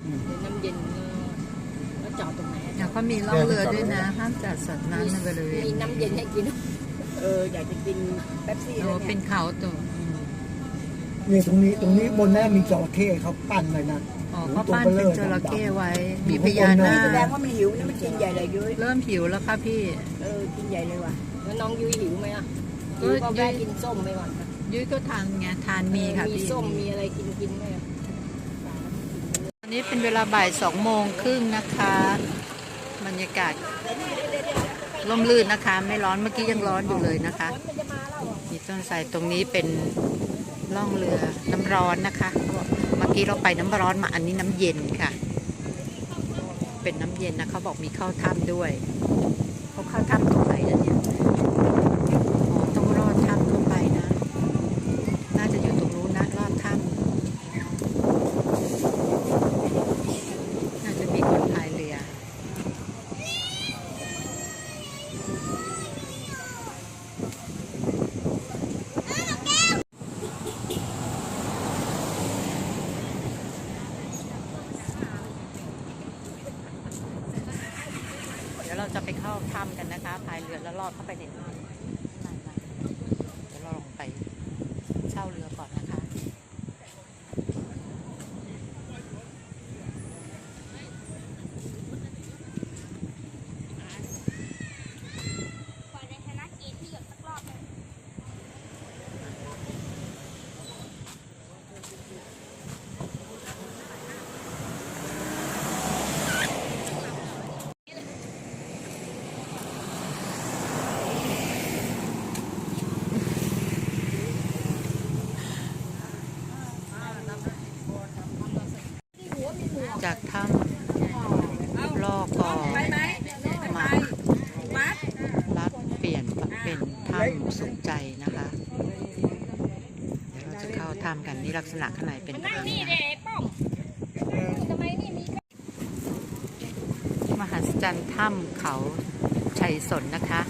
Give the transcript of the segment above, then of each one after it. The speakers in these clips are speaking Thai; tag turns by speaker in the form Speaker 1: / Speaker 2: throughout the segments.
Speaker 1: น้ำเย็นแล้วจอดตรงไหน
Speaker 2: เขามีล่องเรือด้วยนะห้ามจัดสัตว์น้ำในบริเวณ
Speaker 1: มีน้ำเย็นให้กินอยากจะกินเป๊ปซี่เลย
Speaker 2: เป็นเขาตัว
Speaker 3: นี่ตรงนี้บนแน่มีจระเข้เขาปั้นเลยนะ
Speaker 2: เขาปั้นเป็นจระเข้ไว้มีพญานาค
Speaker 1: แสดงว่ามันหิวนี่มันกินใหญ่เลยยุ้ย
Speaker 2: เริ่มหิวแล้วค่ะพี่
Speaker 1: กินใหญ่เลยว่ะแล้วน้องยุ้ยหิวไหมอ่ะยุ้ยก็แวะกินส้มไปก่อน
Speaker 2: ยุ้ยก็ทานไงทานมีค่ะพี่
Speaker 1: มีส้มมีอะไรกินไหม
Speaker 2: ตอนนี้เป็นเวลาบ่าย2:30นะคะบรรยากาศร่มรื่นนะคะไม่ร้อนเมื่อกี้ยังร้อนอยู่เลยนะคะมีต้นไทรตรงนี้เป็นล่องเรือน้ำร้อนนะคะเมื่อกี้เราไปน้ำร้อนมาอันนี้น้ำเย็นค่ะเป็นน้ำเย็นนะเขาบอกมีเข้าถ้ำด้วยเขาเข้าถ้ำตรงไหนเนี่ยต้องรอดถ้ำเข้าไปนะน่าจะอยู่ตรงนู้นนะรอดถ้ำน่าจะมีคนพายเรือเราจะไปเข้าถ้ำกันนะคะพายเรือแล้วลอดเข้าไปในถ้ำเดี๋ยวเราลงไปเช่าเรือก่อนนะคะจากถ้ำลอกก็มารับเปลี่ยนเป็นถ้ำสุขใจนะคะเดี๋ยวเราจะเข้าถ้ำกันนี่ลักษณะข้างในเป็นแบบนี้นะมหัศจรรย์ถ้ำเขาชัยสนนะคะ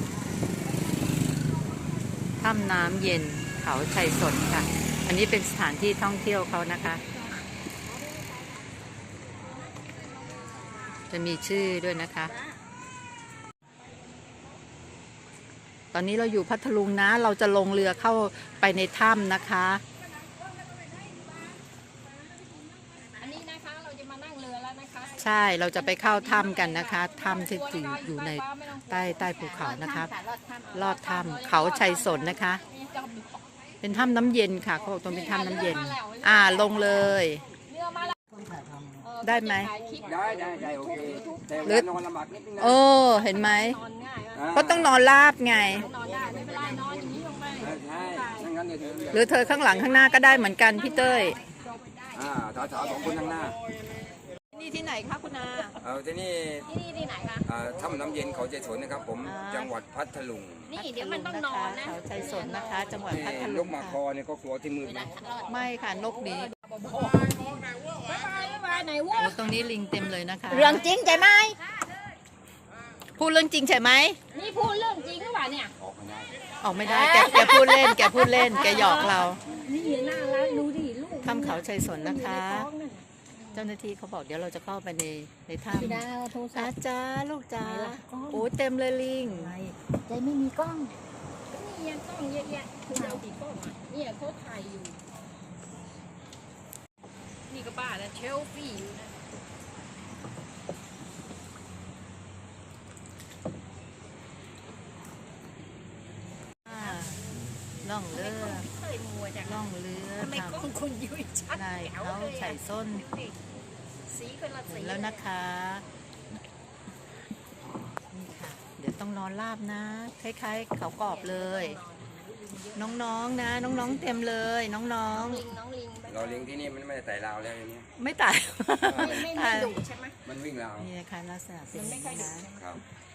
Speaker 2: ถ้ำน้ำเย็นเขาชัยสนค่ะอันนี้เป็นสถานที่ท่องเที่ยวเขานะคะจะมีชื่อด้วยนะคะตอนนี้เราอยู่พัทลุงนะเราจะลงเรือเข้าไปในถ้ำนะคะ
Speaker 1: อันนี้นะคะเราจะมานั่งเรือแล้วนะคะ
Speaker 2: ใช่เราจะไปเข้าถ้ำกันนะคะถ้ำที่อยู่ในใต้ภูเขานะคะลอดถ้ำเขาชัยสนนะคะเป็นถ้ำน้ำเย็นค่ะเขาบอกตรงเป็นถ้ำน้ำเย็นลงเลยได้ไหม
Speaker 4: ได้โอเคแต่เวลานอนลำบากนิดนึงนะ
Speaker 2: เห็นไหมก็ต้องนอนราบไงหรือเธอข้างหลังข้างหน้าก็ได้เหมือนกันพี่เต้ย
Speaker 4: สาวๆ2 คนข้างหน้า
Speaker 2: นี่ที่ไหนคะคุณอา
Speaker 4: ที่นี่
Speaker 1: ที่ไหนคะ
Speaker 4: ถ้ำน้ำเย็นเขาชัยสนนะครับผมจังหวัดพัทลุง
Speaker 1: นี่เดี๋ยวมันต้องนอนนะ
Speaker 2: เขาชัยสนนะคะจังหวัดพัทลุง
Speaker 4: นกมาคอเนี่ยก็กลัวที่มืด
Speaker 2: ไม่ค่ะนกนี้ตรงนี้ลิงเต็มเลยนะคะ
Speaker 1: เรื่องจริงใช่ไหม
Speaker 2: พูดเรื่องจริงใช่ไหม
Speaker 1: นี่พูดเรื่องจริงหรือเปล่าเนี่ย
Speaker 2: ออกไม่ได้แกพูดเล่นแกหยอกเรา
Speaker 1: นี่น่ารักดูดิลูก
Speaker 2: ถ้ำเขาชัยสนนะคะเจ้าหน้าที่เขาบอกเดี๋ยวเราจะเข้าไปในถ้ำจ้าลูกจ้าโอ้เต็มเลยลิง
Speaker 1: ใจไม่มีกล้องนี่ยังกล้องเยอะแยะคุณเอากี่กล้องนี่เขาถ่ายอยู่นี่ก็บ้าแล้วเชลฟี่อยู่นะ
Speaker 2: ล่องเรือล่องเรือ
Speaker 1: ทำไมกล้องคุณยุ้ยชัด
Speaker 2: เขาใส่ส้น
Speaker 1: สีคนละสี
Speaker 2: แล้วนะคะนี่ค่ะเดี๋ยวต้องนอนราบนะคล้ายๆเขากรอบเลยน้องๆนะน้องๆเต็มเลยน้อง
Speaker 4: เราเลี้ยงที่นี่มันไม่ได้ไต่ราวแล้วอย่างนี้
Speaker 2: ไม่ไต่
Speaker 1: ไม่ดุใช่ไหม
Speaker 4: มันวิ่งราว
Speaker 2: นี่นะคะลักษณะเป็น
Speaker 1: ไม่ค่อยดุ
Speaker 4: ครับ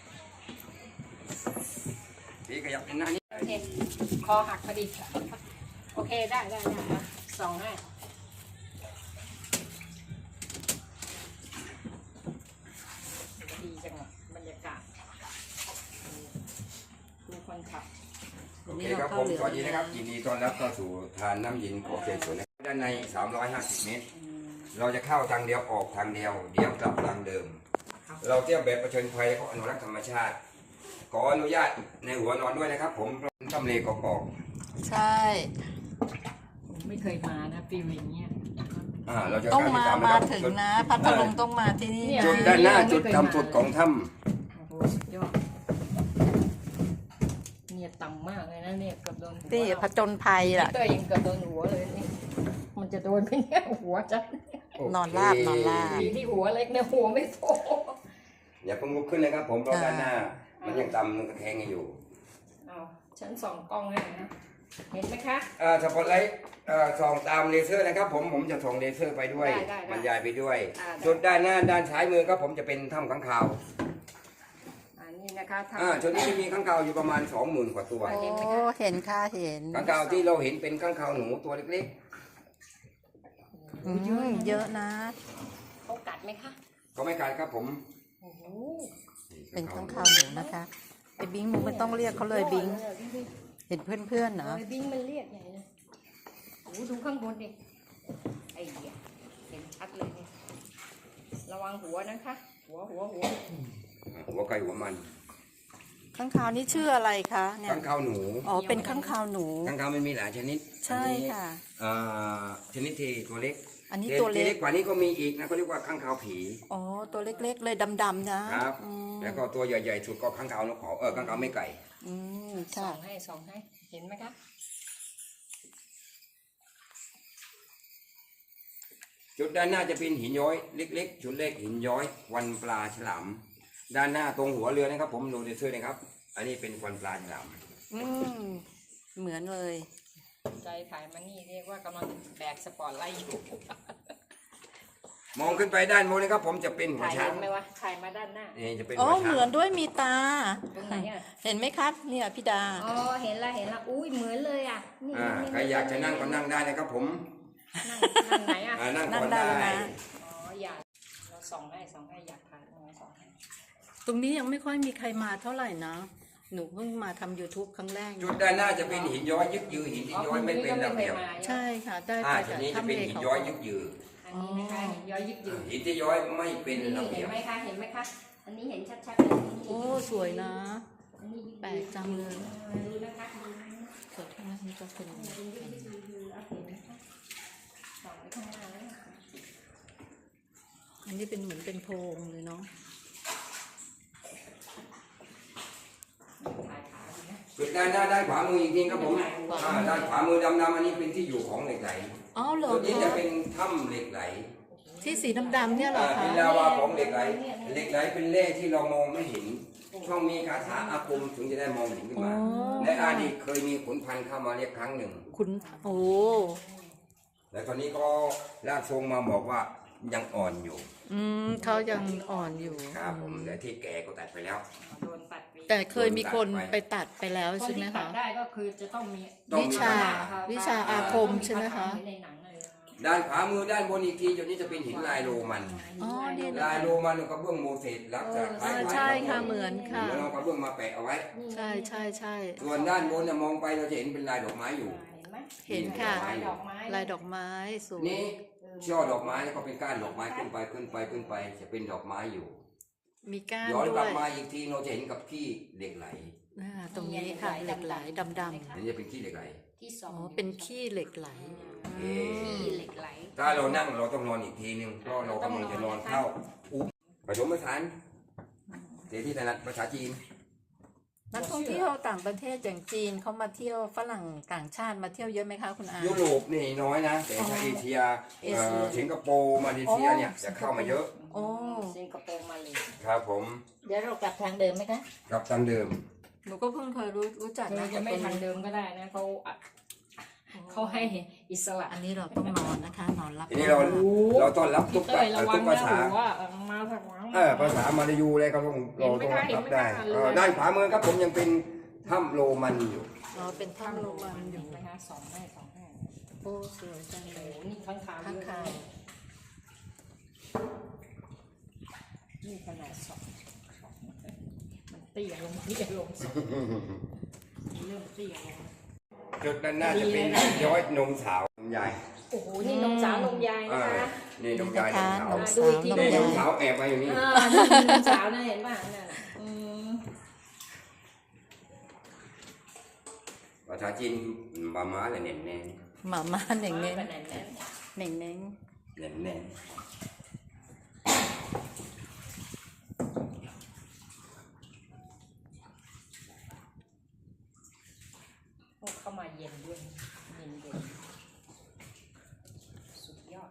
Speaker 4: พี่ขยับหน้านี้
Speaker 1: คอหักพอดีโอเคได้ส่องให้ดีจังบรรยากาศดูคนขับ
Speaker 4: โอเคครับผมสวัสดีนะครับยินดีต้อนรับเข้าสู่ทานน้ำเย็นของชัยสนด้านใน350 เมตรเราจะเข้าทางเดียวออกทางเดียวเดี๋ยวกลับทางเดิม เราเที่ยวแบบประชนภัยเขาอนุรักษ์ธรรมชาติขออนุญาตในหัวนอนด้วยนะครับ ผมทำเลกอก
Speaker 2: ใช่
Speaker 1: ผมไม่เคยมานะฟิลอย่างเงี้ย
Speaker 4: เราจะ
Speaker 2: ต้องมา
Speaker 4: ติดต
Speaker 2: มา
Speaker 4: นะครับ
Speaker 2: ถึงนะพัทลุงต้องมาที่นี่
Speaker 4: จุดด้านหน้าจุดทำสุดของถ้
Speaker 1: โอ้โหสุดยอดเนี่ยต่ำมากเลยนะเนี่ยเกือบโดนหัว
Speaker 2: ที่ผจญภัยล่ะ
Speaker 1: เต้ยยังเกือบโดนหัวเลยนี่มันจะโดนไหมเนี่ยหัวจัด
Speaker 2: นอนราบนอนราบ
Speaker 1: ดีที่หัวเล็กเนี่ยหัวไม่โต
Speaker 4: อย่าเพิ่งลุกขึ้นนะครับ ผมเพราะด้านหน้า มันยังต่ำมันกระแทงอยู่
Speaker 1: เอาฉันส่องกล้องให้นะเห็นไหมคะ
Speaker 4: สปอตไลท์ส่องตามเลเซอร์นะครับ ผมจะส่องเลเซอร์ไปด้วย
Speaker 1: ได้
Speaker 4: บรรยายไปด้วย
Speaker 1: ได้
Speaker 4: จุดด้านหน้าด้านซ้ายมือครับผมจะเป็นถ้ำค้างคาว
Speaker 1: อันนี้นะคะท
Speaker 4: จุดนี้จะมีค้างคาวอยู่ประมาณ 20,000 กว่าตัว
Speaker 2: โอ้เห็นค่ะเห็น
Speaker 4: ค้างคาวที่เราเห็นเป็นค้างคาวหนูตัวเล็ก
Speaker 2: เยอะนะ
Speaker 1: ำเขากัดไหมคะ
Speaker 4: ๆก็ไม่ขาดครับผม
Speaker 1: โอ้โห
Speaker 2: เป็นข้างคาวหนูนะคะไอ้บิงมึงไม่ต้องเรียกเขาเลยบิงเห็นเพื่อนๆเนาะ
Speaker 1: โอ้ยบิงมันเรียกใหญ่เลยโอ้โหดูข้างบนดิไอ้เหี้ยเห็นชัดเลยเนี่ยระวังหัวนะคะ หัว
Speaker 4: หัวไก่หัวมัน
Speaker 2: ข้างคาวนี่ชื่ออะไรคะเนี่ย
Speaker 4: ค้างคาวหนู
Speaker 2: อ๋อเป็นข้างคาวหนู
Speaker 4: ค้างคาวมันมีหลายชนิด
Speaker 2: ใช่ค่ะ
Speaker 4: ชนิดที่ตัวเล็ก
Speaker 2: อันนี้ตัวเล็ก
Speaker 4: กว่านี้ก็มีอีกนะเขาเรียกว่าค้างคาวผี
Speaker 2: อ๋อตัวเล็กๆเลยดำๆนะครับ อืม
Speaker 4: แล้วก็ตัวใหญ่ๆสุดก็ค้างคาวนกเขาค้างคาวไม่ไก่
Speaker 1: ส่
Speaker 2: ค่ะ
Speaker 1: องให้เห็นไหมคะ
Speaker 4: จุดด้านหน้าจะเป็นหินย้อยเล็กๆจุดเล็กหินย้อยวันปลาฉลามด้านหน้าตรงหัวเรือนะครับ ผมดูเลเซอร์นะครับ อันนี้เป็นควันปลาฉลาม
Speaker 2: เหมือนเลย
Speaker 1: ใจถ่ายมานี่เรียกว่ากำลังแบกสปอร์ตไลท์อยู่
Speaker 4: มองขึ้นไปด้านบนนะครับ ผมจะเป็นหัว
Speaker 1: ถ่าย
Speaker 4: ช้า
Speaker 1: เห็
Speaker 4: ง
Speaker 1: นไหมวะถ่ายมาด้านหน้า
Speaker 4: นี่จะเป็น
Speaker 2: อ๋อ
Speaker 4: หัวช้าง
Speaker 2: เหมือนด้วยมีตา
Speaker 1: ตรงไหนอ่ะ
Speaker 2: เห็นไหมครับเนี่ยพี่ดา
Speaker 1: อ๋อเห็นละอุ้ยเหมือนเลยอ่ะนี่
Speaker 4: ใครอยากจะนั่งก็นั่งได้นะครับ ผม
Speaker 1: นั่งไหนอ่ะ
Speaker 4: นั่ง
Speaker 2: นั่
Speaker 4: ก่
Speaker 2: ง
Speaker 4: อน
Speaker 2: ได้
Speaker 4: ได้
Speaker 2: แล้วนะ
Speaker 1: อ๋ออยากเราส่องให้อยากถ่ายส่องให้
Speaker 2: ตรงนี้ยังไม่ค่อยมีใครมาเท่าไหร่นะหนูเพิ่งมาทำ YouTube ครั้งแรก
Speaker 4: จุดด้านหน้าจะเป็นหินย้อยยึกยือหินที่ย้อยไม่เป็นระเบียบ
Speaker 2: ใช่ค่ะได้ไป
Speaker 4: จุ
Speaker 2: จา
Speaker 4: ด
Speaker 2: ก
Speaker 4: นี้จะ
Speaker 2: ถ้ำ
Speaker 4: เป็น
Speaker 2: เล
Speaker 4: หิน
Speaker 2: เขา
Speaker 4: ย้อยยึกยือ
Speaker 1: อันนี้นะคะเห็นย้อยยึกยืด
Speaker 4: หินที่ย้อยไม่เป็น
Speaker 1: นี่
Speaker 4: ระเบี
Speaker 1: เห็
Speaker 4: ย
Speaker 1: น
Speaker 4: บ
Speaker 1: ไหมคะอันนี้เห็นชัดๆเลย
Speaker 2: โอ้สวยนะ
Speaker 1: อันนี้
Speaker 2: แปลกจังเลย
Speaker 1: ดูนะคะ
Speaker 2: สวยทั้งนั้นนี่ก็เป็น
Speaker 1: ส่องไปข้างหน้าแล้ว
Speaker 2: อันนี้เป็นเหมือนเป็นโพรงเลยเนาะ
Speaker 1: ถ่ายขาดูนะ
Speaker 4: จุดด้านหน้าด้านขวามืออีกทีครับผมด้านขวามือดำๆอันนี้เป็นที่อยู่ของเหล็กไหล
Speaker 2: อ๋อเหรอ
Speaker 4: จุดนี้จะ
Speaker 2: คะ
Speaker 4: เป็นถ้ำเหล็กไหล
Speaker 2: ที่สีดำๆเนี่ยเหรอ
Speaker 4: เป็
Speaker 2: คะ
Speaker 4: นลาวาของเหล็กไหลเหล็กไหลเป็นแร่ที่เรามองไม่เห็นต้องมีคาถาอาคมถึงจะได้มองเห็นขึ้นมาในอดีตเคยมีขุนพันธ์เข้ามาเรียกครั้งหนึ่ง
Speaker 2: คุณโอ้
Speaker 4: แต่ตอนนี้ก็ร่างทรงมาบอกว่ายังอ่อนอยู่
Speaker 2: เขายังอ่อนอยู่
Speaker 4: ครับผมแต่ที่แก่ก็ตัดไปแล้ว
Speaker 1: โดนตัดไป
Speaker 2: แต่เคยมีคนไปตัดไปแล้ว
Speaker 1: คน
Speaker 2: ใช่ไหม
Speaker 1: ที่ตั
Speaker 2: คะ
Speaker 1: ดได้ก็คือจะต้องมี
Speaker 2: วิชาอาคมใช่ไหมคะ
Speaker 1: ในหนังเลย
Speaker 4: ด้านขวามือด้านบนอีกทีจุดนี้จะเป็นหินลายโรมัน
Speaker 2: อ๋อเนี่ย
Speaker 4: ลายโรมันกับเบื้องโมเสสลักษณะคล้ายๆ
Speaker 2: ใช่ค่ะเหมือนค่ะ
Speaker 4: เหมือนเอากระเบื้องมาแปะเอาไว้
Speaker 2: ใช่ใช่ใช่
Speaker 4: ส่วนด้านบนเนี่ยมองไปเราจะเห็นเป็นลายดอกไม้อยู่
Speaker 1: เห็นไหม
Speaker 2: เห็นค่ะ
Speaker 1: ลายดอกไม้
Speaker 2: ลายดอกไม้สวย
Speaker 4: นี่ช่อดอกไม้แล้วก็เป็นก้านดอกไม้ขึ้นไปจะเป็นดอกไม้อยู่
Speaker 2: มีก้าน
Speaker 4: ย้อน
Speaker 2: ด้
Speaker 4: กลั
Speaker 2: ว
Speaker 4: บ
Speaker 2: ย
Speaker 4: มาอีกทีเราจะเห็นกับขี้เหล็กไหล
Speaker 2: ตรงนี้ค่ะเหล็กไหลดำ
Speaker 4: อันนี้จะเป็นขี้เหล็กไหล
Speaker 1: ที่ส
Speaker 2: ๆ
Speaker 1: อ
Speaker 2: อ๋
Speaker 1: ง
Speaker 2: อเป็นขี้เหล็กไหล
Speaker 1: ที่เหล็กไหล
Speaker 4: ถ้าเรานั่งเราต้องนอนอีกทีนึงเพราะเรากำลังจะนอนเข้าอุ๊บผสมผสานเดี๋ยวที่ถนัดภาษาจีน
Speaker 2: นักท่องเที่ยวต่างประเทศอย่างจีนเขามาเที่ยวฝรั่งต่างชาติมาเที่ยวเยอะไหมคะคุณอา
Speaker 4: ยุโรปนี่น้อยนะ แต่ถ้าเอเชียสิงคโปร์มาเลเซียเนี่ยจะเข้ามาเยอะ
Speaker 2: โอ้
Speaker 1: สิงคโปร์มาเลย
Speaker 4: ครับผม
Speaker 1: เดี๋ยวเรากลับทางเดิมไหมคะ
Speaker 4: กลับตามเดิม
Speaker 2: หนูก็เพิ่งเคยรู้จัก
Speaker 1: เรา
Speaker 2: นะ
Speaker 1: จะไม่ทางเดิมก็ได้นะเขาให้อิสระ
Speaker 2: อันนี้เราต้องนอนนะคะ นอนรับ
Speaker 4: ทีนี้เราต้อนรับทุ
Speaker 1: พี่
Speaker 4: ก
Speaker 1: เต้ยระวัง
Speaker 4: ภา
Speaker 1: นะ
Speaker 4: ษา
Speaker 1: หัวมาทางหลัง
Speaker 4: ภาษามาลายูเลยเราต้องรับได้ด้านขวามือครับผมยังเป็นถ้ำโรมันอยู่
Speaker 2: อ๋อเป็นถ้ำโรมันอยู่
Speaker 1: นะคะสองให้
Speaker 2: โอ้สวยจังเล
Speaker 1: โอ้
Speaker 2: ย
Speaker 1: นี่ข้างขาว
Speaker 2: ข้างคาว
Speaker 1: นี่ขนาดสองมันเตี้ยลงเริ่มเตี้ยลง
Speaker 4: จุดด้านหน้าจะเป็นย้อยนมสาวนมยาย
Speaker 1: โอ้โหนี่นมสาวนมยายนะคะ
Speaker 4: นี่น้
Speaker 2: นี่
Speaker 4: อง
Speaker 2: นะ
Speaker 4: ยาย
Speaker 2: คะ
Speaker 4: น้อง
Speaker 2: น้
Speaker 4: สา
Speaker 2: อ
Speaker 4: ว
Speaker 2: งสาวน้อง
Speaker 4: นี่น้
Speaker 2: ยา
Speaker 4: อง
Speaker 2: ย
Speaker 4: สาวแอบมาอยู่นี่
Speaker 1: นี่สาวนะเห็นป่ะนั่นน่ะ
Speaker 4: ภาษาจีนมาม้าเลยเน่นแน่
Speaker 2: หมาม่าเหน่งเน้น
Speaker 1: ขนาดนั้น
Speaker 2: เหน่งเน้น
Speaker 4: เน่นแน่
Speaker 1: พวกเข้ามาเย็นด้วยเย็นสุดยอด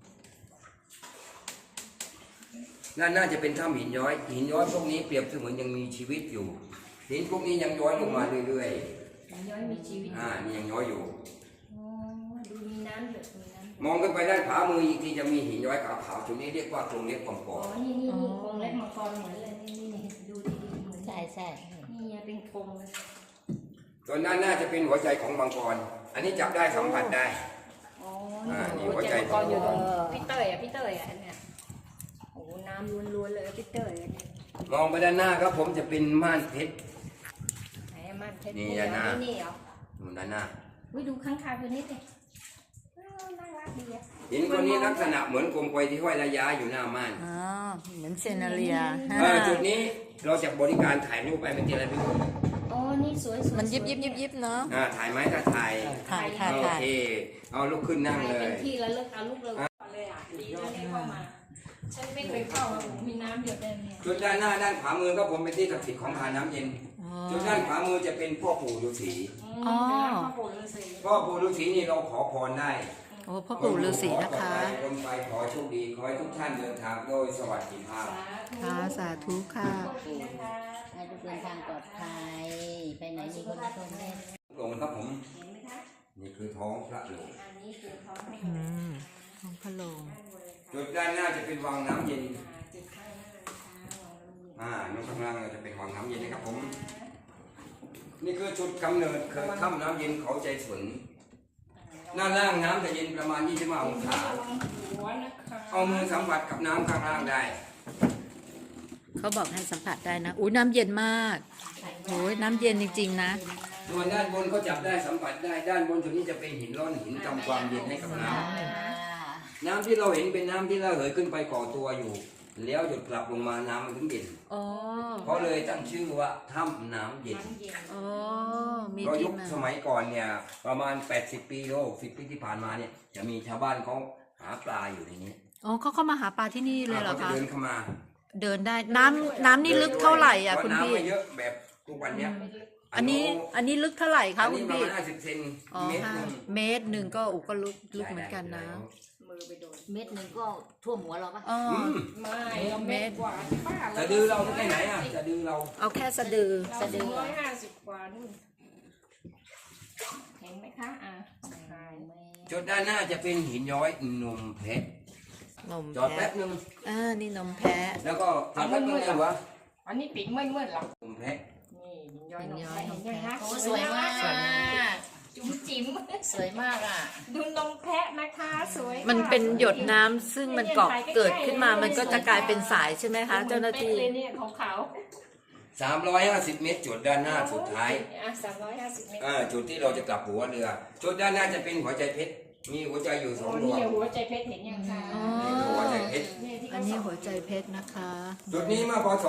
Speaker 4: น่าจะเป็นถ้ำหินย้อยหินย้อยพวกนี้เปรียบเสมือนยังมีชีวิตอยู่หินพวกนี้ยังย้อยลงมาเรื่อย
Speaker 1: ย้อยมีชีวิต
Speaker 4: ๆนี่ยังย้อยอยู่
Speaker 1: อ๋อดูมีน้ำเดือดมีน้ำ
Speaker 4: มองขึ้นไปด้านขวามืออีกทีจะมีหินย้อยขาวๆจุดนี้เรียกว่าโครงเล็กกองก
Speaker 1: อ๋
Speaker 4: อ
Speaker 1: อนี่โครงเล็กมังกรเหมือนเลยนี่ดูดีๆเหมือน
Speaker 2: ใช่ใช่
Speaker 1: นี่เป็นโครงเลย
Speaker 4: ส่วนด้านหน้าจะเป็นหัวใจของมังกรอันนี้จับได้สัมผัสได้
Speaker 1: อ๋อ
Speaker 4: นี่
Speaker 1: นี่
Speaker 4: หั
Speaker 1: หั
Speaker 4: ว
Speaker 1: ว
Speaker 4: ใจ
Speaker 1: ใจมังกรอยู่ตรงพี่เตยอ่ะอันเนี้ยโอ้น้ำล้วนๆเลยพี่เตยอันเนี้ย
Speaker 4: มองไปด้านหน้าครับผมจะเป็นม่านเพชร
Speaker 1: ไหนมันเพชร
Speaker 4: นี่
Speaker 1: นี่
Speaker 4: ด้านหน้า
Speaker 1: นี่เหรอ
Speaker 4: ด้านหน้า
Speaker 1: วิดูข้างคาวตัวนี้สิน่ารักดีอ่ะ
Speaker 4: หินตัวนี้ลักษณะเหมือนกลมไกวที่ห้อยระยะอยู่หน้าม่าน
Speaker 2: อ๋อเหมือนเซนาเรีย
Speaker 4: จุดนี้เราจะบริการถ่ายรูปไปเป็นทีละรูป
Speaker 1: อ๋อนี่สวยๆ
Speaker 2: มันยิบยิบยิบยิบเนาะ
Speaker 4: ถ่ายไหมถ้าถ่าย
Speaker 2: ถ่ายค่ะ
Speaker 4: โอ
Speaker 2: ถ่าย
Speaker 4: เคเอาลุกขึ้นนั่งเล
Speaker 1: เป็
Speaker 4: ย
Speaker 1: นที่ระลึกเอาลูกเลยเลยอ่ะดีนะได้เข้ามา ฉันไม่เคยเข้ามามีน้ำเดือดแดงเนี่ย
Speaker 4: จุดด้านหน้าด้านขวามือก็ผมเป็นที่ศักดิ์สิทธิ์ของทานน้ำเย็น
Speaker 2: อ๋อ
Speaker 4: จุดด้านขวามือจะเป็นพ่อปู่ฤาษี
Speaker 2: อ๋อ
Speaker 1: ข้าวโพดฤาษี
Speaker 4: พ่อปู่ฤาษีนี่เราขอพรได้
Speaker 2: โอ้พ่อปู่ฤาษีนะคะ
Speaker 4: ลงไปขอโชคดีขอให้ทุกท่านเดินทางโดยสวัสดิภาพ
Speaker 2: ค่ะสาธุค่ะ
Speaker 1: นะคะ
Speaker 5: ให้ทุกเดินทางปลอดภัย ไปไหนมีคนชมแน่
Speaker 4: หลงครับผม
Speaker 1: เห็นไหมคะ
Speaker 4: นี่คือท้องพระหลวง
Speaker 1: อันนี้คือท้อง
Speaker 2: อืมของพะโลง
Speaker 4: จุดด้านหน้าจะเป็นวังน้ำเย็น
Speaker 1: จุดข้างหน้านะคะวางน้ำเย็น
Speaker 4: นู่นข้างล่างจะเป็นวังน้ำเย็นนะครับผม นี่คือจุดกำเนิดคือถ้ำน้ำเย็นเขาใจสนหน้าล่างน้ำจะเย็นประมาณ25องศา
Speaker 1: ระวังหัวนะคะ
Speaker 4: เอามือสัมผัสกับน้ำข้างล่างได้
Speaker 2: เขาบอกให้สัมผัสได้นะอุ้ยน้ำเย็นมากโอ้ยน้ำเย็นจริงๆนะ
Speaker 4: ส่วนด้านบนก็จับได้สัมผัสได้ ด้านบนจุดนี้จะเป็นหินร่อนหินทำความเย็นให้กับน้ำ น้ำที่เราเห็นเป็นน้ำที่ระเหยขึ้นไปก่อตัวอยู่ แล้วหยดกลับลงมาน้ำมันถึงเย็น
Speaker 2: อ๋อ
Speaker 4: เพราะเลยตั้งชื่อว่าถ้ำน้ำเย็น
Speaker 1: น้ำเย็น
Speaker 2: อ๋อมี
Speaker 4: เรา
Speaker 2: ที่
Speaker 4: ยุค
Speaker 2: มา
Speaker 4: สมัยก่อนเนี่ยประมาณ80 ปีโล10 ปีที่ผ่านมาเนี่ยจะมีชาวบ้านเขาหาปลาอยู่ในนี้
Speaker 2: อ๋อเขาเข้ามาหาปลาที่นี่เลยเหรอ
Speaker 4: เขาจะ
Speaker 2: คะ
Speaker 4: เดินเข้ามา
Speaker 2: เดินได้น้ำนี่ลึกเท่าไหร่อ่ะ
Speaker 4: เพ
Speaker 2: คุณ
Speaker 4: ราะ
Speaker 2: พี่
Speaker 4: น้ำไม่เยอะแบบทุกวันเนี้ย
Speaker 2: อันนี้ลึกเท่าไหร่คะ
Speaker 4: อัน
Speaker 2: คุ
Speaker 4: นี้
Speaker 2: ณ
Speaker 4: ประ
Speaker 2: พี่
Speaker 4: มาณ50 เซน
Speaker 2: อ๋อ
Speaker 4: เมตร
Speaker 2: ห้า
Speaker 4: หนึง
Speaker 2: เมตรหนึ่งก็อุก็ลึกเหมือนกันนะ
Speaker 1: มือไปโดน
Speaker 5: เม็ดหนึ่งก็ท่วมหัวเราปะ
Speaker 2: อ๋อ
Speaker 1: ไม่เราเม็ดกว่าป้า
Speaker 4: จะดื้อเราแค่ไหนอ่ะจะดื้อเรา
Speaker 2: เอาแค่สะดือ
Speaker 1: เรา
Speaker 2: สะดือ
Speaker 1: 150 กว่านู่นเห็นไหมคะใช่
Speaker 4: จุดด้านหน้าจะเป็นหินย้อยนมเพชร
Speaker 2: นม
Speaker 4: จอด
Speaker 2: แพะ
Speaker 4: แป๊บนึง
Speaker 2: นี่นมแพะ
Speaker 4: แล้วก็จอดแป๊บนึงเลยวะ
Speaker 1: อันนี้ปิดมืดๆหรอน
Speaker 4: มเพชร
Speaker 1: นี่หินย้อยนมแพะเห็นยังคะ
Speaker 5: โอ้สวยมาก
Speaker 1: จุ๋มจิ๋ม
Speaker 5: สวยมากอ่ะ
Speaker 1: ดูนมแพะนะคะสวยค่ะ
Speaker 2: มันเป็นหยดน้ำซึ่งมันเกิดขึ้นมามันก็จะกลายเป็นสายใช่ไหมคะ เจ้าหน้าที่
Speaker 1: เลยเนี่ยของเขา
Speaker 4: 350 เมตรจุดด้านหน้าสุดท้าย
Speaker 1: 350 เมตร
Speaker 4: จุดที่เราจะกลับหัวเรือ จุดด้านหน้าจะเป็นหัวใจเพชร มีหัวใจอยู่
Speaker 1: โอ้
Speaker 4: 2ด
Speaker 1: นี่
Speaker 4: วง
Speaker 1: หัวใจเพชรเห็นยังคะ
Speaker 2: อ๋อ
Speaker 4: นี่คือหัวใจเพชร
Speaker 1: นี่ที่
Speaker 2: อั
Speaker 1: เขา
Speaker 2: นนี้
Speaker 1: ส่ง
Speaker 2: หัวใจเพชรนะคะ
Speaker 4: จุดนี้เมื่อพศ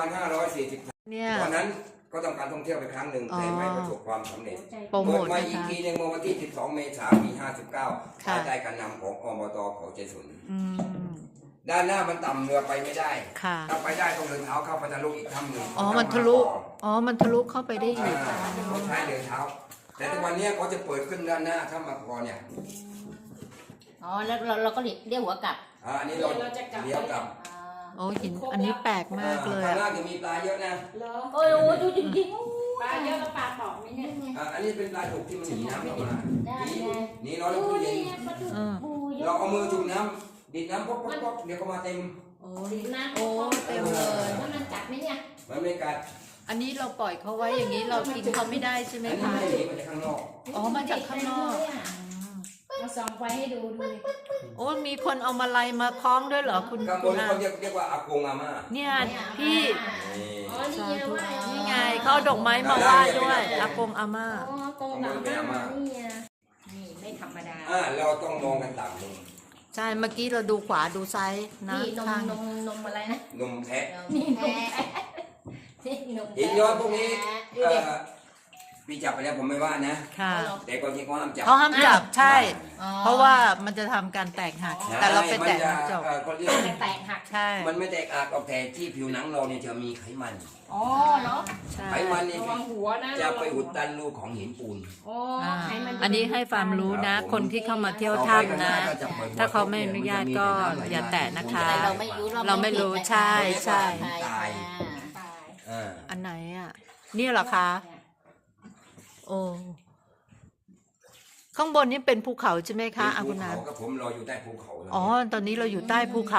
Speaker 4: 2540
Speaker 2: เนี่ย
Speaker 4: ตอนนั้นก็ต้องการท่องเที่ยวไปครั้งหนึ่ง
Speaker 2: อ๋อ
Speaker 4: แต่ไม่ประสบความสำเร็จ
Speaker 1: หัวใจ
Speaker 2: โปรโม
Speaker 4: เปิด
Speaker 2: ท
Speaker 4: มา
Speaker 2: นะ
Speaker 4: อีก
Speaker 2: คะ
Speaker 4: ทีในเมื่อวันที่ 12 เมษายน ปี 59
Speaker 2: ค่ะ
Speaker 4: ภายใต้การนำของอบตเขาใจสน
Speaker 2: อืม
Speaker 4: ด้านหน้ามันต่ำเรือไปไม่ได้
Speaker 2: ค่ะ
Speaker 4: ถ้าไปได้ต้องเดินเท้าเข้าไปทะลุอีกถ้ำหนึ่ง
Speaker 2: อ๋อมันทะลุมันทะลุเข้าไปได้อีก
Speaker 4: เขาใช้เดินเท้า แต่ทุกวันนี้เขาจะเปิดขึ้นด้านหน้าถ้ำมาพอเนี่ย
Speaker 5: อ๋อ แล้วเราก็เรียกหัวกลับ
Speaker 4: อันนี้เราเลี้ยวกลับ
Speaker 2: โอ้หินอันนี้แปลกมากเลย
Speaker 4: ข้าง
Speaker 2: อะ
Speaker 4: ล่างจะมีปลาเยอะนะ
Speaker 1: เหรอ
Speaker 5: โอ้ยโอ้ยดูจริง
Speaker 1: ปลาเยอะแล้วปลาตอกไหมเนี่ย
Speaker 4: อันนี้เป็นปลาดุกที่มันหนีน้ำเข้ามา
Speaker 5: ๆได้
Speaker 4: หนี
Speaker 5: ไง
Speaker 4: หนีร้อนแล้ว
Speaker 5: โอ้
Speaker 4: ตู้
Speaker 5: ย
Speaker 4: เย็น
Speaker 5: นี่ไงปลาดุกปูเยอะ
Speaker 4: เราเอามือจุ่มน้ำดิดน้ำป๊อกป๊อกป๊อกเดี๋ยวก็มาเต็ม
Speaker 2: โอ้
Speaker 5: สีน้ำ
Speaker 2: โอ้เต็มเลย
Speaker 5: แล้วมันจับไหมเนี่ย
Speaker 4: มันไม่กัด
Speaker 2: อันนี้เราปล่อยเขาไว้อย่างนี้เรากินเขาไม่ได้ใช่ไหม
Speaker 4: อันนี้
Speaker 2: คะ
Speaker 4: ไม่หนีมาจากข้างนอก
Speaker 2: อ๋อมาจากข้างนอก
Speaker 1: เอาส่องไฟให้ดูดูดิ
Speaker 2: โอ้มีคนเอามาลัยมาคล้องด้วยเหรอคุณ
Speaker 4: ข้างบ
Speaker 2: คุ
Speaker 4: น
Speaker 2: ณอา
Speaker 4: เขาเรียกว่าอากงอาม่า
Speaker 2: เนี่ยพี่
Speaker 4: นี่
Speaker 5: อ๋อ นี่ไงว่า
Speaker 2: นี่ไงเขาเอาดอกไม้มาไหว้ด้วยอากงอาม่า
Speaker 5: อ๋อกงหลังมานี่ไง
Speaker 1: นี่ไม่ธรรมดา
Speaker 4: เราต้องมองกันต่างมุม
Speaker 2: ใช่เมื่อกี้เราดูขวาดูซ้ายนะ
Speaker 5: นี่นม
Speaker 2: ข้าง
Speaker 5: นมอะไรนะ
Speaker 4: นมแพะ
Speaker 5: นี่นมแพะนี่นมแพะ
Speaker 4: หินย้อยพวกนี้พี่จับไปแล้วผมไม่ว่านะ
Speaker 2: ค่ะ
Speaker 4: แต่ก่อนที่เขาห้ามจับ
Speaker 2: เขาห้ามจับใช่
Speaker 5: อ๋อ
Speaker 2: เพราะว่ามันจะทำการแตกหัก แต่เราไปแตะมันจบ
Speaker 4: เขาเรียก
Speaker 1: แตกหัก
Speaker 2: ใช่
Speaker 4: มันไม่แตกหักออกแต่ที่ผิวหนังเราเนี่ยจะมีไขมัน
Speaker 1: อ๋อเนาะ
Speaker 2: ใช่
Speaker 4: ไขมันนี่
Speaker 1: ระวังหัวนะ
Speaker 4: จะไปอุดตันรูของหินปูน
Speaker 1: อ๋อ
Speaker 2: อ่า
Speaker 1: ให้มัน
Speaker 2: อันนี้ให้ความรู้นะ คนที่เข้ามาเที่ยวถ้ำนะ ถ้าเขาไม่อนุญาตก็อย่าแตะนะคะ
Speaker 5: แต่เราไม่รู้
Speaker 2: เราไม่รู้ใช่ใช่
Speaker 5: ตาย
Speaker 1: ตาย
Speaker 2: อันไหนอ่ะนี่เหรอคะ โอ้ข้างบนนี่เป็นภูเขาใช่ไหมคะอา
Speaker 4: ภู
Speaker 2: คุณนา
Speaker 4: เขากับผมรออยู่ใต้ภูเขา
Speaker 2: อ๋อ ตอนนี้เราอยู่ใต้ภูเขา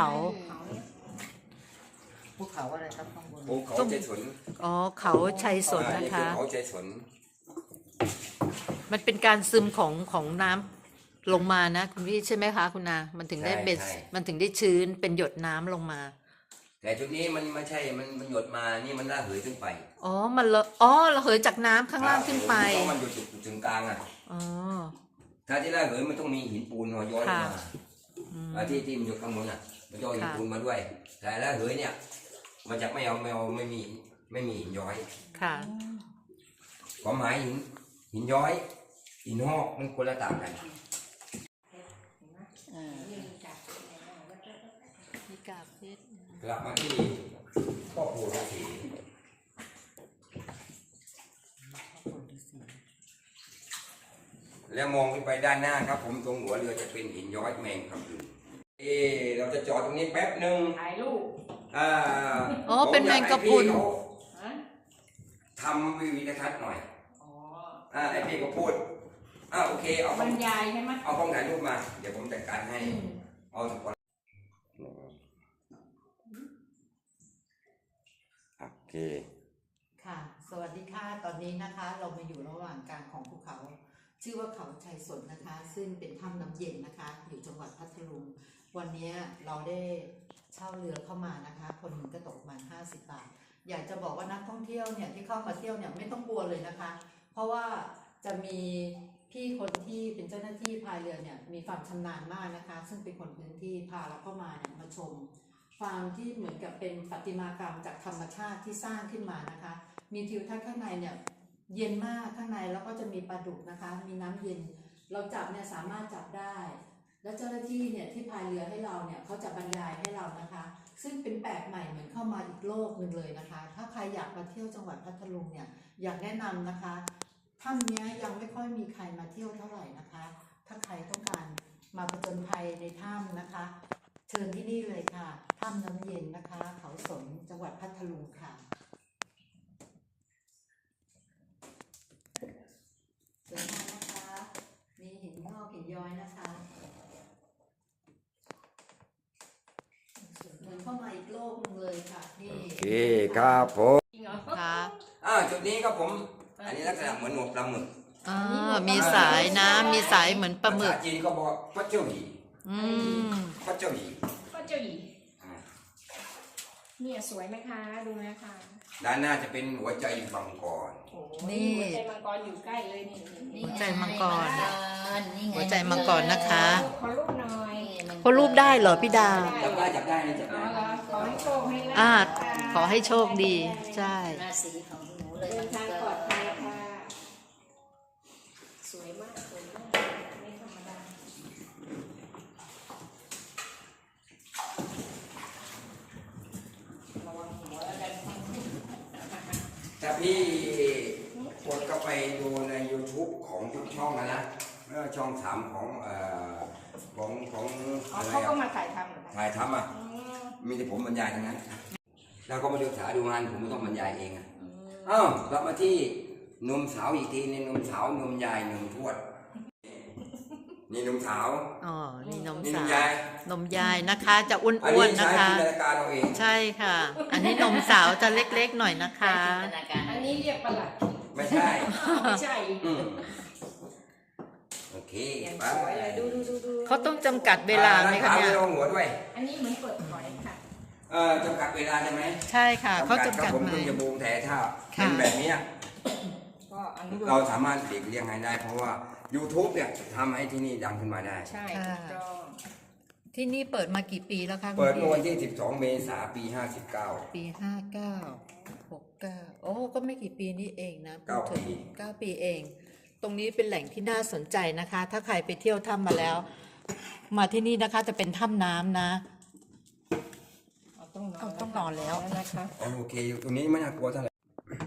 Speaker 5: ภูเขาอะไรครับข้างบน
Speaker 4: ภูเขาใจสน
Speaker 2: อ๋อ เขาชัยสนนะคะ
Speaker 4: ภูเขาใจสน
Speaker 2: มันเป็นการซึมของน้ำลงมานะคุณพี่ใช่ไหมคะคุณนา มันถึงได้เบสมันถึงได้ชื้นเป็นหยดน้ำลงมา
Speaker 4: แต่จุดนี้มันไม่ใช่มันหยดมานี่มันระเหยขึ้นไป
Speaker 2: อ๋อ มันระเหยจากน้ำข้างล่างขึ้นไป
Speaker 4: เพราะมันอยู่จุดถึงกลางอ่ะ
Speaker 2: อ๋อ
Speaker 4: ถ้าที่ระเหยมันต้องมีหินปูนย้อยมา
Speaker 2: อืม
Speaker 4: ที่มันอยู่ข้างบนอ่ะ มันย้อยหินปูนมาด้วย แต่ระเหยเนี่ย มันจะไม่มีหินย้อย
Speaker 2: ค่ะ
Speaker 4: ความหมายหินย้อย หินหอกมันคนละต่างกัน
Speaker 2: มีกาบเพชร
Speaker 4: กลับมาที่พ่อปู่ฤาษีแล้วมองขึ้นไปด้านหน้าครับ ผมตรงหัวเรือจะเป็นหินย้อยแมงครับเราจะจอดตรงนี้แป๊บหนึ่ง
Speaker 1: ถ่ายรูป
Speaker 2: อ๋อเป็นแมงกะพรุน
Speaker 1: ฮะ
Speaker 4: ทำวิวทัศน์หน่อย
Speaker 1: อ๋อ
Speaker 4: ไอพี่ก็พูดโอเคเอา
Speaker 1: บรรยายใช่ไหม
Speaker 4: เอากล้องถ่ายรูปมา เดี๋ยวผมจัดการให้ เอาทุกคนโอเค
Speaker 2: ค่ะ สวัสดีค่ะ ตอนนี้นะคะ เรามาอยู่ระหว่างกลางของภูเขา ชื่อว่าเขาชัยสนนะคะ ซึ่งเป็นถ้ำน้ำเย็นนะคะ อยู่จังหวัดพัทลุง วันนี้เราได้เช่าเรือเข้ามานะคะ คนหนึ่งก็ตกประมาณ50 บาท อยากจะบอกว่านักท่องเที่ยวเนี่ยที่เข้ามาเที่ยวเนี่ยไม่ต้องกลัวเลยนะคะ เพราะว่าจะมีพี่คนที่เป็นเจ้าหน้าที่พายเรือเนี่ยมีความชำนาญมากนะคะ ซึ่งเป็นคนพื้นที่พาเราเข้ามาเนี่ยมาชม ฟาร์มที่เหมือนกับเป็นประติมากรรมจากธรรมชาติที่สร้างขึ้นมานะคะ มีทิวทัศน์ข้างในเนี่ยเย็นมากข้างในแล้วก็จะมีปลาดุกนะคะ มีน้ำเย็น เราจับเนี่ยสามารถจับได้ แล้วเจ้าหน้าที่เนี่ยที่พายเรือให้เราเนี่ยเขาจะบรรยายให้เรานะคะ ซึ่งเป็นแปลกใหม่เหมือนเข้ามาอีกโลกหนึ่งเลยนะคะ ถ้าใครอยากมาเที่ยวจังหวัดพัทลุงเนี่ยอยากแนะนำนะคะถ้ำเนี้ยยังไม่ค่อยมีใครมาเที่ยวเท่าไหร่นะคะ ถ้าใครต้องการมาผจญภัยในถ้ำนะคะ เชิญที่นี่เลยค่ะ ถ้ำน้ำเย็นนะคะ เขาสน จังหวัดพัทลุงค่ะสวยงามนะคะ มีหินงอกหินย้อยนะคะเหมือนเข้ามาอีกโลกหนึงเลยค่ะนี่
Speaker 4: โอเคครับผม
Speaker 1: จริงเหรอ
Speaker 2: ค่ะ
Speaker 4: จุดนี้ครับผม อันนี้ลักษณะเหมือนหนวดปลาหมึก
Speaker 2: มีสายนะมีสายเหมือนปลาหมึก
Speaker 4: ภษจีนก็บอกพระเจ้าหยี
Speaker 2: อืม
Speaker 4: พระเจ้าหยี
Speaker 1: ก็เจ้าหญิง
Speaker 4: อ่า
Speaker 1: เนี่ยสวยไหมคะ ดูนะคะ
Speaker 4: ด้านหน้าจะเป็นหัวใจมังกร
Speaker 1: โอ้โหนี่หัวใจมังกรอยู่ใกล้เลยนี่
Speaker 2: หัวใจมังกร
Speaker 5: นี่ไง
Speaker 2: หัวใจมังกรนะคะ
Speaker 1: ขอรูปหน่อย
Speaker 2: เขารูปได้เหรอพี่ดา
Speaker 4: จับได้จับได้นะจับ
Speaker 1: อ๋อ
Speaker 4: ได้
Speaker 1: เหรอขอให้โชคให้ลาภ
Speaker 2: อ่า
Speaker 1: ค่ะ
Speaker 2: ขอให้โชคดี ใช่
Speaker 5: ราศีของหนูเลย
Speaker 1: เดินทางปลอดภัยค่ะ สวยมากสวยมากไม่ธรรมดาระวังหัวแล้วกัน
Speaker 4: ถ้าพี่กดเข้าไปดูใน YouTube ของทุกช่องนะไม่ว่าช่องสามของของ
Speaker 1: อ๋อ
Speaker 4: อะไร
Speaker 1: เขาก็
Speaker 4: อะ
Speaker 1: มาถ่ายทำเหรอคะ
Speaker 4: ถ่ายทำอ่ะ
Speaker 1: อืม
Speaker 4: มีแต่ผมบรรยายทั้งนั้น แล้วก็มาดูดูงานผมไม่ต้องบรรยายเองอ่ะ
Speaker 1: อืม
Speaker 4: กลับมาที่หนมสาวอีกทีนี่หนมสาวนมยายหนมทวด นี่หนมสาว
Speaker 2: อ๋อ นี่นม
Speaker 4: นี่หน
Speaker 2: สาม ว
Speaker 4: ยาย
Speaker 2: นมยายนะคะ จะอ้
Speaker 4: อัน
Speaker 2: วน
Speaker 4: นี้
Speaker 2: ๆนะ
Speaker 4: ใช้
Speaker 2: คะ
Speaker 4: จินตนาการเราเอง
Speaker 2: ใช่ค่ะ อันนี้นมสาวจะเล็กๆหน่อยนะคะ
Speaker 5: จินตนาการ
Speaker 1: อันนี้เรียกประหลัด
Speaker 4: ไม่ใช่
Speaker 1: ไม่ใช่
Speaker 4: อืมโอเค
Speaker 1: อย่าง
Speaker 4: ไป
Speaker 1: สวยเลยดู
Speaker 2: เขาต้องจำกัดเวลาไหมคะเนี่ย
Speaker 4: ลองหัวด้วย
Speaker 1: อันนี้เหมือนเปิดหอยค่ะ
Speaker 4: จำกัดเวลาใช่ไหม
Speaker 2: ใช่ค่ะ เขาจำ
Speaker 4: ค
Speaker 2: กั
Speaker 4: รั
Speaker 2: ด
Speaker 4: ผม
Speaker 2: ไหม
Speaker 4: เพิ่งจะบูมแต่ถ้า
Speaker 2: ค่ะ
Speaker 4: เป็นแบบเนี้ย
Speaker 1: ก็อนุโล
Speaker 4: เรา
Speaker 1: ม
Speaker 4: สามารถเด็กเรียงให้ได้ เพราะว่า YouTube เนี่ยทำให้ที่นี่ดังขึ้นมาได้
Speaker 1: ใช่ถูกต้อง
Speaker 2: ที่นี่เปิดมากี่ปีแล้วคะคุณ
Speaker 4: เปิด
Speaker 2: พี่
Speaker 4: เมื่อวันที่ 12 เมษายน ปี 59
Speaker 2: ปี59 69โอ้ก็ไม่กี่ปีนี้เองนะพูดถึง
Speaker 4: 9 ปี
Speaker 2: 9 ปีเอง ตรงนี้เป็นแหล่งที่น่าสนใจนะคะ ถ้าใครไปเที่ยวถ้ำมาแล้ว มาที่นี่นะคะจะเป็นถ้ำน้ำนะ ต้องนอนแล้ว
Speaker 1: นะคะ
Speaker 4: โอเคอยู่ตรงนี้ไม่น่ากลัวเท่าไหร่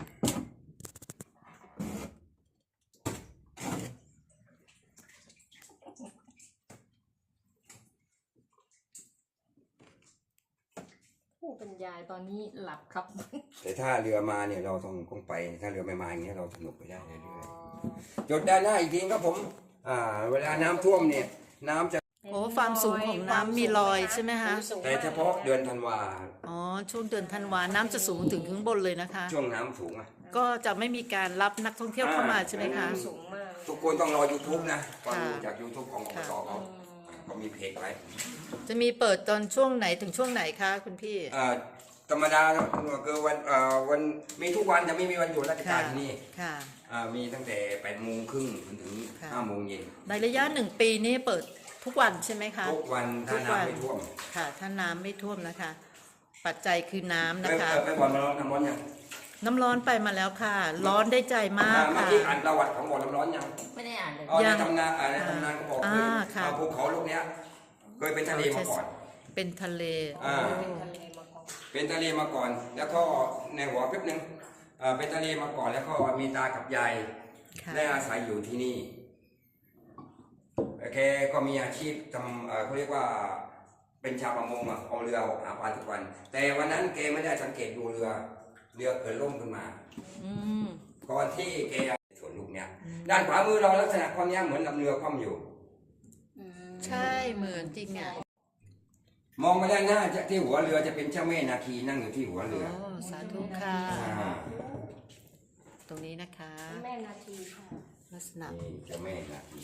Speaker 1: ผู้บรรยายตอนนี้หลับครับ
Speaker 4: แต่ถ้าเรือมาเนี่ยเราต้องไปถ้าเรือไม่มาอย่างเงี้ยเราสนุกไปได้เรื่อยๆจดด้านหน้าอีกทีครับผมเวลาน้ำท่วมเนี่ยน้ำจะ
Speaker 2: โอ้ความสูงของน้ำมีรอยใช่ไหมคะ
Speaker 4: แต่เฉพาะเดือนธันวา
Speaker 2: อ๋อช่วงเดือนธันวาน้ำจะสูงถึงข้างบนเลยนะคะ
Speaker 4: ช่วงน้ำสูงอ่ะ
Speaker 2: ก็จะไม่มีการรับนักท่องเที่ยวเข้ามาใช่ไหมคะ
Speaker 1: สูงมาก
Speaker 4: ทุกคนต้องรอ YouTube นะฟังดู
Speaker 2: ค่ะ
Speaker 4: จาก YouTube ของอบตเขามีเพจไว้
Speaker 2: จะมีเปิดตอนช่วงไหนถึงช่วงไหนคะคุณพี่
Speaker 4: ธรรมดาคือวันมีทุกวันจะไม่มีวันหยุดราชการที่นี่
Speaker 2: ค่ะ
Speaker 4: มีตั้งแต่8 โมงครึ่งจนถึง
Speaker 2: ค่ะ
Speaker 4: 5 โมงเย็น
Speaker 2: ในระยะ1 ปีนี้เปิดทุกวันใช่ไหมคะ
Speaker 4: ทุกวันถ้าน้ำไม่ท่วม
Speaker 2: ค่ะ ถ้าน้ำไม่ท่วมนะคะ ปัจจัยคือน้ำ
Speaker 4: ไป
Speaker 2: นะคะ
Speaker 4: ไปบ่อน้ำร้อนยัง
Speaker 2: น้ำร้อนไปมาแล้วค่ะ ร้อนได้ใจมาก
Speaker 4: เมื่อ
Speaker 2: ค่ะ
Speaker 4: กี้อ่านประวัติของบ่อน้ำร้อนยัง
Speaker 5: ไม่ได้อ่านเลย
Speaker 4: ใน
Speaker 2: ยัง
Speaker 4: ตำนานในตำนานก็บอก
Speaker 2: ค่ะ
Speaker 4: ภูเขาลูกเนี้ยเคยเป็นทะเลมาก่อน
Speaker 2: เป็นทะเล
Speaker 4: อ่า เป็นทะเลมาก่อน แล้วก็ในหัวแป๊บนึงเป็นทะเลมาก่อนแล้วก็มีตากับยาย
Speaker 2: ค่ะ
Speaker 4: ได้อาศัยอยู่ที่นี่แกก็มีอาชีพทำเขาเรียกว่าเป็นชาวประมงเอาเรือออกหาปลาทุกวัน แต่วันนั้นแกไม่ได้สังเกตดูเรือเกิดล่มขึ้นมา
Speaker 2: อืม
Speaker 4: ก่อนที่แกส่วนลูกเนี้ยด้านขวามือเราลักษณะความเนี้ยเหมือนลำเรือคว่ำอยู่
Speaker 2: ใช่เหมือนจริงอ่ะ
Speaker 4: มองไปด้านหน้าที่หัวเรือจะเป็นเจ้าแม่นาคีนั่งอยู่ที่หัวเรือ
Speaker 2: โอ้สาธุค่ะ
Speaker 4: อ่า
Speaker 2: ตรงนี้นะคะ
Speaker 1: แม่นาทีค่ะ
Speaker 2: ลักษณะ
Speaker 4: นี่เจ้าแม่นาคี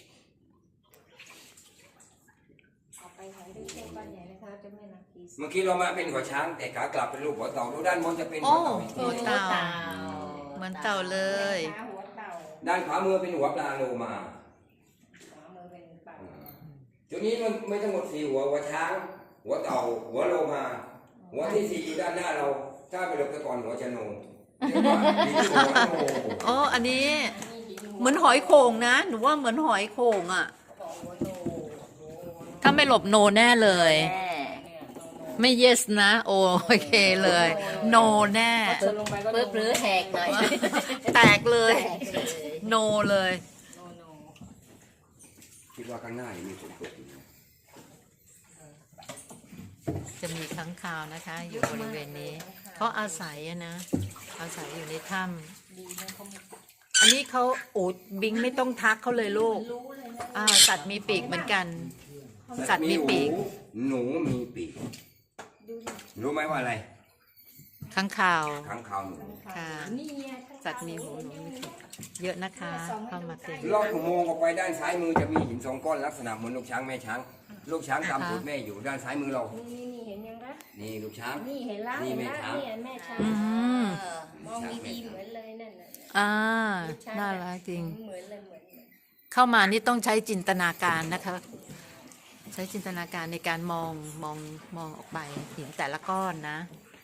Speaker 1: ออกไปหอยได้เช่นก้อนใหญ่นะคะเจ้าแม่นาที
Speaker 4: เมื่อกี้เรามาเป็นหัวช้างแต่ขากลับเป็นรูปหัวเต่าดูด้านบนจะเป็น
Speaker 2: โอ้
Speaker 4: หัวเต่าอีกที
Speaker 2: หัวเต่า เหมือนเต่าเลย
Speaker 1: หัวเต่า
Speaker 4: ด้านขวามือเป็นหัวปลาโลมา
Speaker 1: ขวามือเป็นปาก
Speaker 4: จุดนี้มันไม่ทั้งหมด4 หัวช้าง หัวเต่าหัวโลมา หัวที่4อยู่ด้านหน้าเราถ้าไปหลบตะกอนหัวชะโนเรียกว่าหินหัวโน
Speaker 2: อ๋ออันนี้เหมือนหอยโข่งนะหนูว่าเหมือนหอยโข่งอ่ะ
Speaker 1: ของหัวโน
Speaker 2: ถ้าไม่หลบโนแน่เลย
Speaker 5: แม่
Speaker 2: ไม่ yes นะ โอเคเลย no แน่
Speaker 1: เจอลงไปก็
Speaker 5: ปึ๊บหรือแหกหน่อย
Speaker 2: แตกเลย
Speaker 5: แหกเลย
Speaker 2: no เลย
Speaker 1: โนโน
Speaker 4: คิดว่าข้างหน้ายังมีฝนตกอยู่นะ
Speaker 2: จะมีค้างคาวนะคะ อยู่บริเวณนี้เขาอาศัยอะนะ อาศัยอยู่ในถ้
Speaker 1: ดีนะเขามี
Speaker 2: ำอันนี้เขาอูดบิงไม่ต้องทักเขาเลยลูก
Speaker 1: รู้เลยนะ
Speaker 2: สัตว์มีปีกเหมือนกัน สัตว์มีปีก
Speaker 4: หนูมีปีก
Speaker 1: ดูดิ
Speaker 4: รู้ไหมว่าอะไร
Speaker 2: ค้างคาว
Speaker 4: ค้างคาวหนู
Speaker 2: ค่ะ
Speaker 1: นี่ไง
Speaker 2: สัตว์มีหูหนูมีปีกเยอะนะคะ เข้ามาเต็ม
Speaker 4: ลอดอุโมงค์ออกไปด้านซ้ายมือจะมีหิน2 ก้อนลักษณะเหมือนลูกช้างแม่ช้าง ลูกช้างตามตูดแม่อยู่ด้านซ้ายมือเรา
Speaker 1: นี่เห็นยังคะ
Speaker 4: นี่ลูกช้าง
Speaker 1: นี่เห็นแล้ว
Speaker 4: นี่
Speaker 1: เห็น
Speaker 4: แม่
Speaker 1: แล้ว
Speaker 4: ช้าง
Speaker 1: นี่แม่ช้าง
Speaker 2: อืม
Speaker 1: มองดีๆเหมือนเลยนั่นน่ะ
Speaker 2: น่ารักจริง
Speaker 1: เหมือนเลยเหมือน
Speaker 2: เข้ามานี่ต้องใช้จินตนาการนะคะ ใช้จินตนาการในการมองออกไปหินแต่ละก้อนนะ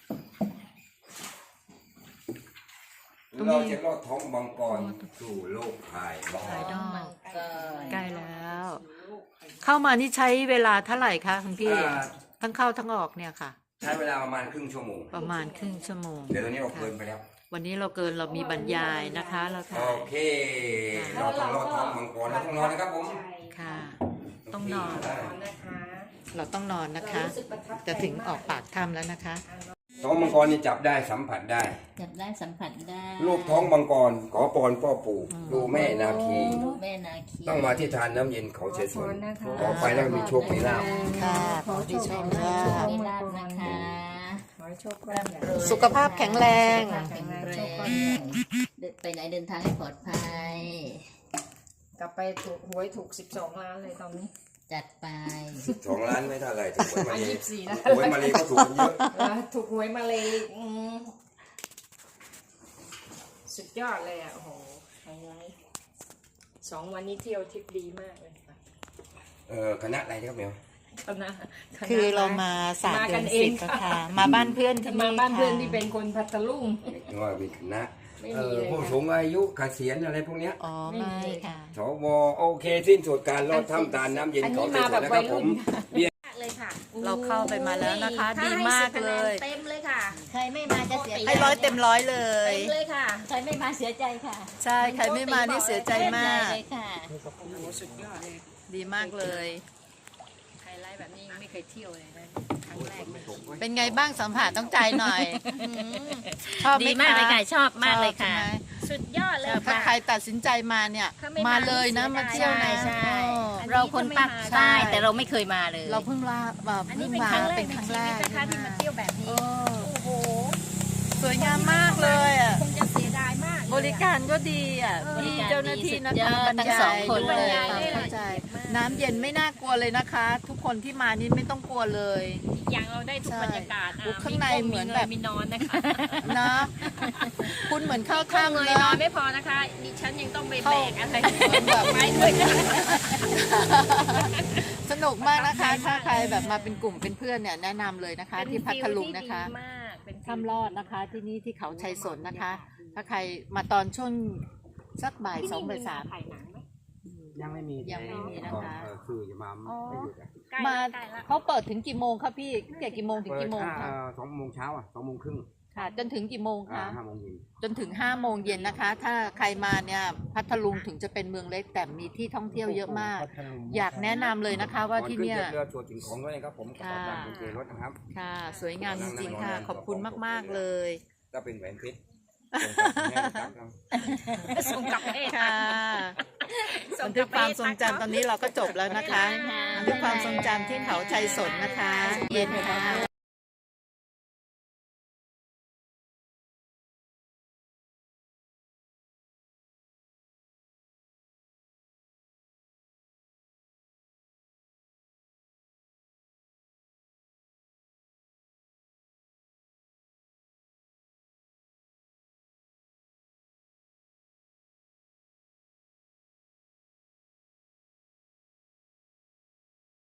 Speaker 2: ตรงนี้
Speaker 4: เราจะลอดท้องมังกรสู่โลกภายนอก
Speaker 2: ภายนอก
Speaker 5: ก็
Speaker 2: ใกล้แล้ว เข้ามานี่ใช้เวลาเท่าไหร่คะคุณพี่ ทั้งเข้าทั้งออกเนี่ยค่ะ
Speaker 4: ใช้เวลาประมาณครึ่งชั่วโมง
Speaker 2: ประมาณครึ่งชั่วโมง
Speaker 4: เดี๋ยวตอนนี้เราเกินไปแล้ว
Speaker 2: วันนี้เราเกินเรามีบรรยายนะคะ เรา
Speaker 4: โอ
Speaker 2: ถ่าย
Speaker 4: เค เราต้องลอดท้องมังกรเราต้องนอนนะครับผม
Speaker 2: ค่ะ ต้องนอน
Speaker 1: นอนนะคะ
Speaker 2: เราต้องนอนนะคะ
Speaker 1: รู้สึกประทับใจ
Speaker 2: จะถึงออกปากถ้ำแล้วนะคะ
Speaker 4: ท้องมังกรนี่จับได้สัมผัสได้
Speaker 5: จับได้สัมผัสได้
Speaker 4: ลูกท้องมังกรขอพรพ่อปู่ดูแม่นาคี
Speaker 5: ดูแม่นาคี
Speaker 4: ต้องมาที่ทานน้ำเย็นเขาเฉยสวนต่อไปแล้วมีโชคมีลาภ
Speaker 2: ค่ะขอที่ชมค่ะ
Speaker 5: มีลาบนะคะ
Speaker 1: ขอให้โชคก้อนใหญ่
Speaker 2: สุขภาพแข็งแรง
Speaker 5: แข็งแรงไปไหนเดินทางให้ปลอดภัย
Speaker 1: กลับไปถูกหวยถูก12 ล้านเลยตอนนี้
Speaker 5: จัดไป
Speaker 4: 2 ล้านไม่เท่าไหร่ถูกหวยมาเลย
Speaker 1: 24นะ
Speaker 4: หวยมาเลยก็ถูกกันเยอะ
Speaker 1: ถูกหวยมาเลยสุดยอดเลยอ่ะโอ้โหไฮไลท์2 วันนี้เที่ยวทริปดีมากเลยค่ะ
Speaker 4: คณะอะไรครับเมียว
Speaker 1: คณะ
Speaker 2: คือเรามาสาม
Speaker 1: มา
Speaker 2: เดื
Speaker 1: กั
Speaker 2: อน
Speaker 1: นเอ
Speaker 2: สิ
Speaker 1: ง
Speaker 2: บค่ะ มาบ้านเพื่อนที่
Speaker 1: มา
Speaker 2: นี่
Speaker 1: บ้านเพื่อน
Speaker 2: ค่ะ
Speaker 1: ที่เป็นคนพัทลุง
Speaker 4: ว่ามีคณะ
Speaker 1: ไม่มีเลย
Speaker 4: ผู้สูงอายุเกษียณอะไรพวกเนี้ย
Speaker 2: อ๋อไม่ค่ะ
Speaker 4: สวโอเคสิ้นสุดการลดทำตาลน้ำเย็น
Speaker 1: อันนี้
Speaker 4: ของ
Speaker 1: มาแบบ
Speaker 4: นะครับ
Speaker 1: วัย
Speaker 4: ผ
Speaker 1: รุ่
Speaker 4: ม
Speaker 1: น
Speaker 4: เบียร์
Speaker 5: เลยค่ะ
Speaker 2: เราเข้าไปมาแล้วนะคะ ดีมากเลย
Speaker 5: เต็มเลยค่ะ ใครไม่มาจะเสียใจ
Speaker 2: ให้ร้อยเต็มร้อยเลย
Speaker 5: เต็มเลยค่ะ ใครไม่มาเสียใจค่ะ
Speaker 2: ใช่ ใครไม่มานี่เสียใจมาก
Speaker 5: เลยค่ะ
Speaker 1: สุดยอดเลย
Speaker 2: ดีมากเลย
Speaker 1: ไฮไลท์แบบนี้ยังไม่เคยเที่ยวเลยนะครั้งแรกเลย
Speaker 2: เป็นไงบ้างสัมผัสต้องใจหน่อยชอบไห
Speaker 5: ดีมากเลยค่ะ ชอบมากเลยค่ะ
Speaker 2: ชอบใช่ไหม
Speaker 5: สุดยอดเลย
Speaker 2: ถ้า
Speaker 5: ค่ะ
Speaker 2: ใครตัดสินใจมาเนี่ย
Speaker 5: ถ้าไม่
Speaker 2: มาเลยนะ
Speaker 5: เสี
Speaker 2: มาเที่ยวนะ
Speaker 5: ใช่
Speaker 2: เออ
Speaker 5: เราคนปัก
Speaker 2: ใช่
Speaker 5: ใต้แต่เราไม่เคยมาเลย
Speaker 2: เราเพิ่งลาแบบ
Speaker 5: อันนี้
Speaker 2: เพิ่ง
Speaker 5: เป็นครั้งแรก
Speaker 2: เป็น
Speaker 5: ใน
Speaker 2: ครั้ง
Speaker 5: ชี
Speaker 2: แร
Speaker 5: วิต
Speaker 2: ก
Speaker 5: นะคะที่มาเที่ยวแบบนี้
Speaker 2: เออ
Speaker 5: โอ้โห
Speaker 2: สวยงามมากเลยอ่ะ
Speaker 5: คงจะเสียดายมากเลยอะ
Speaker 2: บริการก็ดีอ่ะ
Speaker 5: บริ
Speaker 2: พี่
Speaker 5: การ
Speaker 2: เจ้าหน้าที่นะ
Speaker 5: ดีสุดย
Speaker 2: คะ
Speaker 5: อด
Speaker 2: บรร
Speaker 5: ทั้ง
Speaker 2: ยา
Speaker 5: สอง
Speaker 2: ย
Speaker 5: คน
Speaker 2: ด้วย
Speaker 5: เลย
Speaker 2: ความเข้าใจ น้ำเย็นไม่น่ากลัวเลยนะคะ ทุกคนที่มานี่ไม่ต้องกลัวเลย
Speaker 1: อีกอย่างเราได้ทุก
Speaker 2: ใช่
Speaker 1: บรรยากาศ
Speaker 2: อุ๊ยข้างในเหมือนแบบ
Speaker 1: มีนอนนะคะ
Speaker 2: นะคุณเหมือนเข้า
Speaker 1: ข้าง
Speaker 2: ถ้ำ
Speaker 1: เลยนอ
Speaker 2: นะ
Speaker 1: นไม่พอนะคะดิฉันยังต้องไปแบกอะไร
Speaker 2: แบบ
Speaker 1: ไม้ด้วย
Speaker 2: สนุกมากนะคะ ถ้าใครแบบมาเป็นกลุ่มเป็นเพื่อนเนี่ยแนะนำเลยนะคะ ที่พัทลุงนะคะ
Speaker 1: มากเป็น
Speaker 2: ถ้ำรอดนะคะที่นี่ที่เขาชัยสนนะคะ ถ้าใครมาตอนช่วงสักบ่ายสองบ่ายสาม
Speaker 1: ถ่ายหนังไหม
Speaker 3: ยังไม่มี
Speaker 2: ยังไม่มีนะคะ
Speaker 3: คือจะมาไม่หยุด
Speaker 1: ใกล้
Speaker 2: มา
Speaker 1: ละใกล้ละ
Speaker 2: เขาเปิดถึงกี่โมงคะพี่ตั้งแต่กี่โมงถึงกี่โมงคะ
Speaker 3: 2 โมงเช้า2 โมงครึ่ง
Speaker 2: ค่ะ จนถึงกี่โมงคะ
Speaker 3: 5 โมงเย็น
Speaker 2: จนถึง5 โมงเย็นนะคะ ถ้าใครมาเนี่ยพัทลุงถึงจะเป็นเมืองเล็กแต่มีที่ท่องเที่ยวเยอะมาก อยากแนะนำเลยนะคะว่าที่เนี่ย
Speaker 4: ก่อขึ้จากเรือตรวจสิ่งของด้วยนะครับผมกับตามกุญแจรถนะครับ
Speaker 2: ค่ะ สวยงามจริงๆค่ะ ขอบคุณมากๆเลย
Speaker 4: ถ้าเป็นแหวนเพชรส่งกลับแม่ตั๊กเรา
Speaker 1: ส่งกลับเอ๊ะ
Speaker 2: ค่ะบันทึกความทรงจำตอนนี้เราก็จบแล้วนะคะบันทึกความทรงจำที่เขาชัยสนนะคะ เย็นค่ะ